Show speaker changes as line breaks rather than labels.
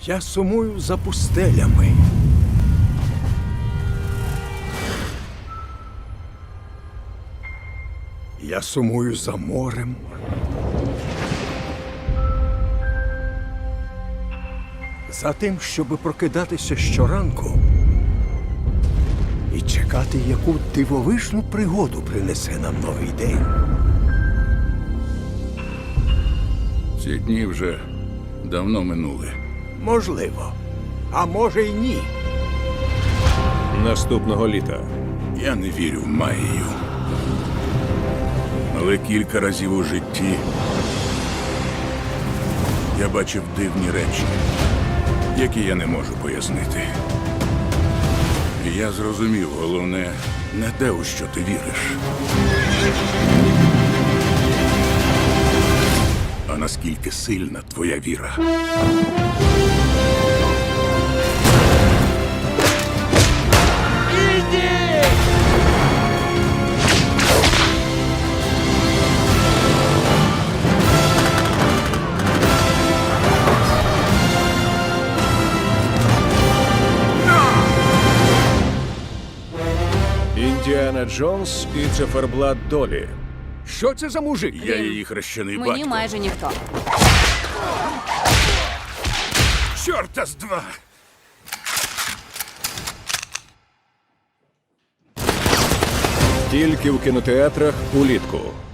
Я сумую за пустелями. Я сумую за морем. За тим, щоби прокидатися щоранку і чекати, яку дивовижну пригоду принесе нам новий день.
Ці дні вже давно минули.
Можливо. А може й ні.
Наступного літа.
Я не вірю в магію. Але кілька разів у житті я бачив дивні речі, які я не можу пояснити. І я зрозумів, головне, не те, у що ти віриш, а наскільки сильна твоя віра.
Індіана Джонс і Циферблат Долі.
Що це за мужик?
Я її хрещений
Мені
батько.
майже ніхто.
Чорта з два!
Тільки в кінотеатрах улітку.